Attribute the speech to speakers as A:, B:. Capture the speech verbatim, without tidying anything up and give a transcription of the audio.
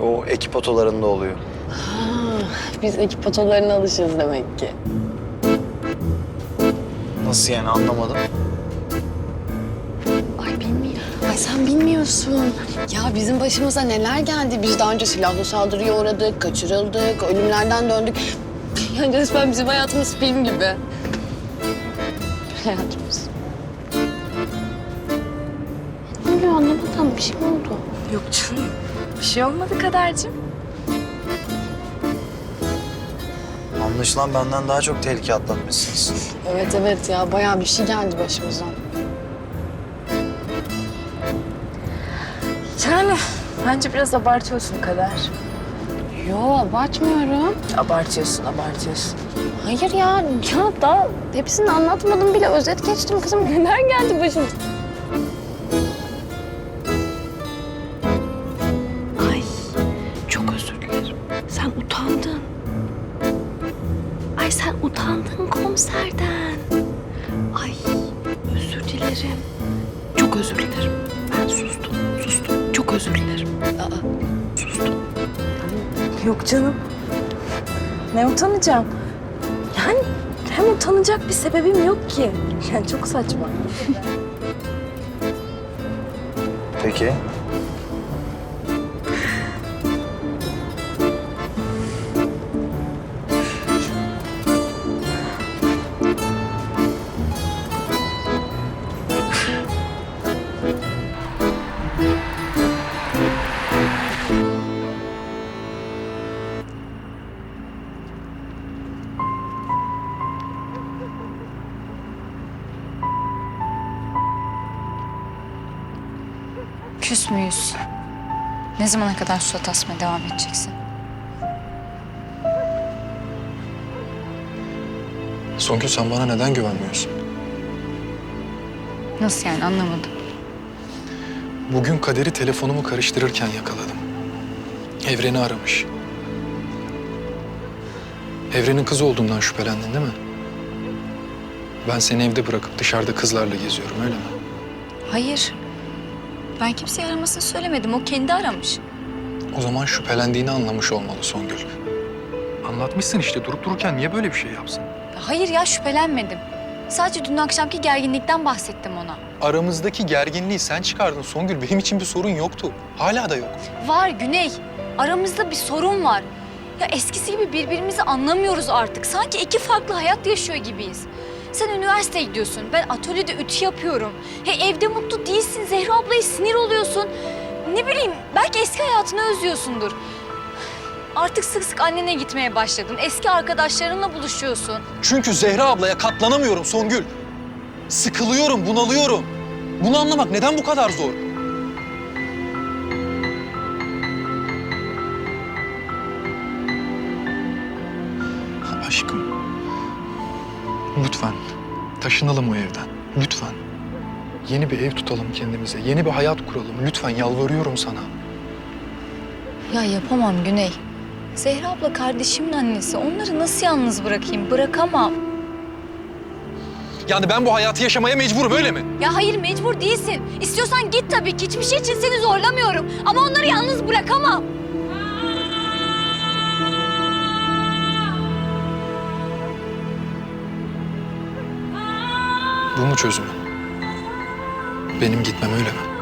A: o ekip otolarında oluyor.
B: Ha, biz ekip otolarına alışırız demek ki.
A: Nasıl yani, anlamadım.
B: Ay bilmiyorum. Ay sen bilmiyorsun. Ya bizim başımıza neler geldi. Biz daha önce silahlı saldırıya uğradık, kaçırıldık, ölümlerden döndük. Yani resmen bizim hayatımız film gibi. Hayatımız. Ne oluyor anlamadım. Bir şey mi oldu?
C: Yok canım. Bir şey olmadı Kadercim.
A: Anlaşılan benden daha çok tehlike atlatmışsınız.
B: Evet evet ya bayağı bir şey geldi başımıza.
C: Yani bence biraz abartıyorsun Kader.
B: Yo abartmıyorum.
C: Abartıyorsun, abartıyorsun.
B: Hayır ya, ya daha hepsini anlatmadım bile. Özet geçtim kızım. Neler geldi başımıza?
D: Ay çok özür dilerim. Sen utandın. Ay sen utandın komiserden. Ay özür dilerim. Çok özür dilerim. Ben sustum, sustum. Çok özür dilerim. Aa, sustum.
C: Yok canım. Ne utanacağım? Yani hem utanacak bir sebebim yok ki. Yani çok saçma.
A: Peki.
E: Küs müyüz? Ne zamana kadar surat asmaya devam edeceksin?
F: Songül sen bana neden güvenmiyorsun?
E: Nasıl yani, anlamadım.
F: Bugün Kader'i telefonumu karıştırırken yakaladım. Evren'i aramış. Evren'in kız olduğundan şüphelendin değil mi? Ben seni evde bırakıp dışarıda kızlarla geziyorum, öyle mi?
E: Hayır. Ben kimseye aramasını söylemedim. O kendi aramış.
F: O zaman şüphelendiğini anlamış olmalı Songül. Anlatmışsın işte, durup dururken niye böyle bir şey yapsın?
E: Hayır ya, şüphelenmedim. Sadece dün akşamki gerginlikten bahsettim ona.
F: Aramızdaki gerginliği sen çıkardın Songül. Benim için bir sorun yoktu. Hala da yok.
E: Var Güney. Aramızda bir sorun var. Ya eskisi gibi birbirimizi anlamıyoruz artık. Sanki iki farklı hayat yaşıyor gibiyiz. Sen üniversiteye gidiyorsun. Ben atölyede ütü yapıyorum. He, evde mutlu değilsin. Zehra ablaya sinir oluyorsun. Ne bileyim, belki eski hayatını özlüyorsundur. Artık sık sık annene gitmeye başladın. Eski arkadaşlarınla buluşuyorsun.
F: Çünkü Zehra ablaya katlanamıyorum Songül. Sıkılıyorum, bunalıyorum. Bunu anlamak neden bu kadar zor? Aşkım, lütfen taşınalım o evden. Lütfen. Yeni bir ev tutalım kendimize. Yeni bir hayat kuralım. Lütfen yalvarıyorum sana.
E: Ya yapamam Güney. Zehra abla kardeşimin annesi. Onları nasıl yalnız bırakayım? Bırakamam.
F: Yani ben bu hayatı yaşamaya mecburum, öyle mi?
E: Ya hayır, mecbur değilsin. İstiyorsan git tabii ki. Hiçbir şey için seni zorlamıyorum. Ama onları yalnız bırakamam.
F: Bu mu çözümün? Benim gitmem, öyle mi?